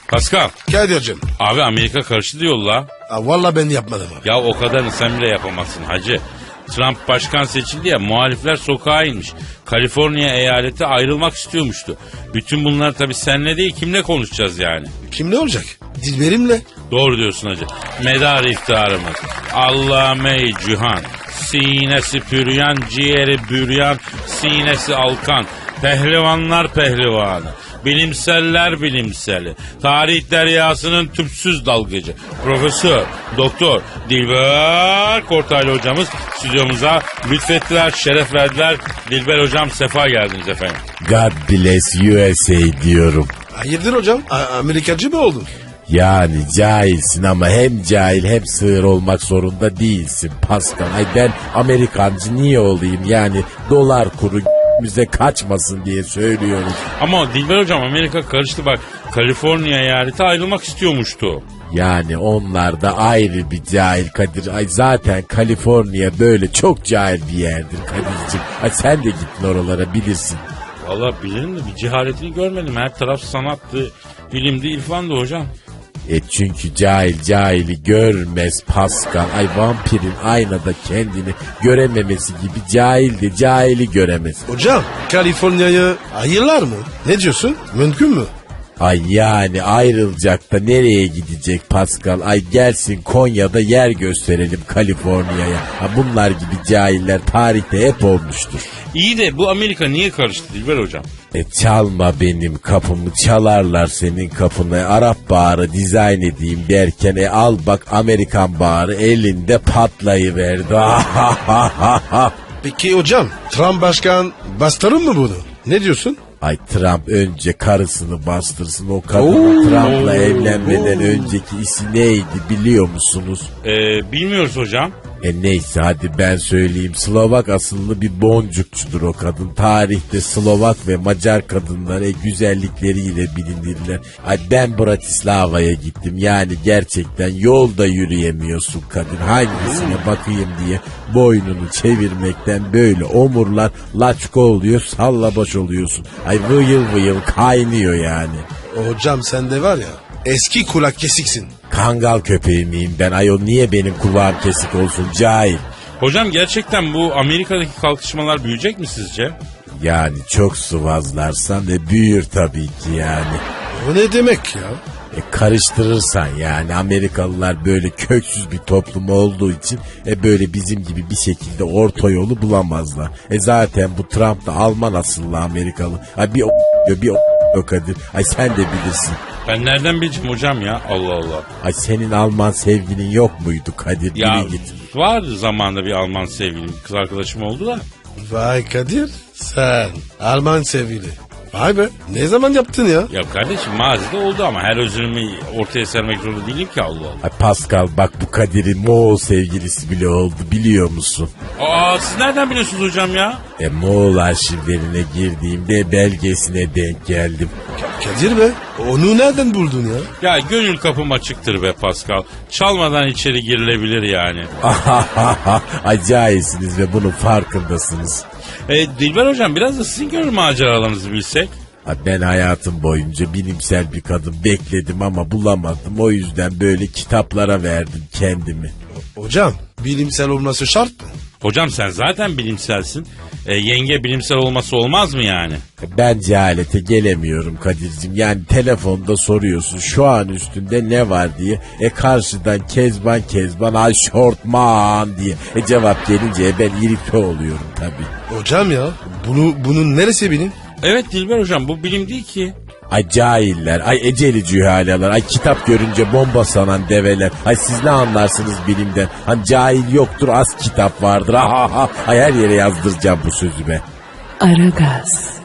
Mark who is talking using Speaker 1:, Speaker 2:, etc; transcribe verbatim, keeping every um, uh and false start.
Speaker 1: Pascal.
Speaker 2: Kadir'cim.
Speaker 1: Abi Amerika karıştı diyor la.
Speaker 2: Ha, vallahi ben yapmadım abi.
Speaker 1: Ya o kadarını sen bile yapamazsın hacı. Trump başkan seçildi ya, muhalifler sokağa inmiş. Kaliforniya eyaleti ayrılmak istiyormuştu. Bütün bunlar tabii seninle değil, kimle konuşacağız yani?
Speaker 2: Kim ne olacak? Dilberimle.
Speaker 1: Doğru diyorsun hacı. Medar iftiharımız. Allame-i Cihan. Sinesi püryan, ciğeri büryan, sinesi alkan. Pehlivanlar pehlivanı. Bilimseller bilimseli. Tarih deryasının tüpsüz dalgıcı. Profesör, doktor Dilber Kortaylı hocamız stüdyomuza lütfettiler, şeref verdiler. Dilber hocam, sefa geldiniz efendim.
Speaker 3: God bless U S A diyorum.
Speaker 2: Hayırdır hocam? A- Amerikacı mı oldun?
Speaker 3: Yani cahilsin ama hem cahil hem sığır olmak zorunda değilsin Pascal. Ay ben Amerikancı niye olayım, yani dolar kuru müze kaçmasın diye söylüyoruz.
Speaker 1: Ama Dilber hocam, Amerika karıştı bak. Kaliforniya eyaleti ayrılmak istiyormuştu.
Speaker 3: Yani onlar da ayrı bir cahil Kadir. Ay zaten Kaliforniya böyle çok cahil bir yerdir Kadir'cim. Ay sen de gittin oralara, bilirsin.
Speaker 1: Vallahi bilirim de bir cehaletini görmedim. Her taraf sanattı, bilimdi, irfandı hocam.
Speaker 3: E çünkü cahil cahili görmez Pascal. Ay vampirin aynada kendini görememesi gibi cahil de cahili göremez.
Speaker 2: Hocam Kaliforniya'ya ayırlar mı? Ne diyorsun? Mümkün mü?
Speaker 3: Ay yani ayrılacak da nereye gidecek Pascal? Ay gelsin Konya'da yer gösterelim Kaliforniya'ya. Ha bunlar gibi cahiller tarihte hep olmuştur.
Speaker 1: İyi de bu Amerika niye karıştı Dilber hocam?
Speaker 3: E çalma benim kapımı, çalarlar senin kapını. Arap bağrı dizayn edeyim derken e al bak Amerikan bağrı elinde patlayıverdi.
Speaker 2: Peki hocam Trump başkan bastırır mı bunu? Ne diyorsun?
Speaker 3: Ay Trump önce karısını bastırsın, o kadın Trump'la evlenmeden önceki isi neydi biliyor musunuz?
Speaker 1: Ee, bilmiyoruz hocam.
Speaker 3: E neyse hadi ben söyleyeyim. Slovak asıllı bir boncukçudur o kadın. Tarihte Slovak ve Macar kadınları güzellikleriyle bilinirler. Ay ben Bratislava'ya gittim. Yani gerçekten yolda yürüyemiyorsun kadın. Hangisine bakayım diye boynunu çevirmekten böyle omurlar laçko oluyor, salla baş oluyorsun. Ay vıyıl vıyıl kaynıyor yani.
Speaker 2: Hocam sen de var ya eski kulak kesiksin.
Speaker 3: Kangal köpeği miyim ben ayol, niye benim kulağım kesik olsun cahil?
Speaker 1: Hocam gerçekten bu Amerika'daki kalkışmalar büyüyecek mi sizce?
Speaker 3: Yani çok sıvazlarsan e büyür tabii ki yani.
Speaker 2: O ne demek ya?
Speaker 3: E karıştırırsan yani Amerikalılar böyle köksüz bir toplum olduğu için e böyle bizim gibi bir şekilde orta yolu bulamazlar. E zaten bu Trump da Alman asıllı Amerikalı. Ay bir o bir o Kadir. Ay sen de bilirsin.
Speaker 1: Ben nereden bileceğim hocam ya? Allah Allah.
Speaker 3: Ay senin Alman sevgilin yok muydu Kadir?
Speaker 1: Ya
Speaker 3: Biri git.
Speaker 1: vardı zamanında bir Alman sevgilim, kız arkadaşım oldu da.
Speaker 2: Vay Kadir sen Alman sevgili. Vay be ne zaman yaptın ya?
Speaker 1: Ya kardeşim mazide oldu ama her özrümü ortaya sermek zorunda değilim ki, Allah Allah.
Speaker 3: Ay Pascal bak bu Kadir'in Moğol sevgilisi bile oldu biliyor musun?
Speaker 1: Aa, siz nereden biliyorsunuz hocam ya?
Speaker 3: E Moğol arşivlerine girdiğimde belgesine denk geldim.
Speaker 2: Kadir be onu nereden buldun ya?
Speaker 1: Ya gönül kapım açıktır be Pascal. Çalmadan içeri girilebilir yani.
Speaker 3: Ay cahilsiniz ve bunun farkındasınız.
Speaker 1: E, Dilber hocam biraz da sizin gönül maceralarınızı bilsek.
Speaker 3: Ay ben hayatım boyunca bilimsel bir kadın bekledim ama bulamadım. O yüzden böyle kitaplara verdim kendimi.
Speaker 2: Hocam bilimsel olması şart mı?
Speaker 1: Hocam sen zaten bilimselsin. E, yenge bilimsel olması olmaz mı yani?
Speaker 3: Ben cehalete gelemiyorum Kadir'cim. Yani telefonda soruyorsun şu an üstünde ne var diye. E karşıdan Kezban Kezban ay şortman diye. E cevap gelince e ben irite oluyorum tabii.
Speaker 2: Hocam ya bunu bunun neresi benim?
Speaker 1: Evet Dilber hocam, bu bilim değil ki.
Speaker 3: Ay cahiller, ay eceli cühalalar, ay kitap görünce bomba sanan develer. Ay siz ne anlarsınız bilimden? Hani cahil yoktur, az kitap vardır. Ha ha ha. Ay her yere yazdıracağım bu sözü be.
Speaker 4: Aragaz.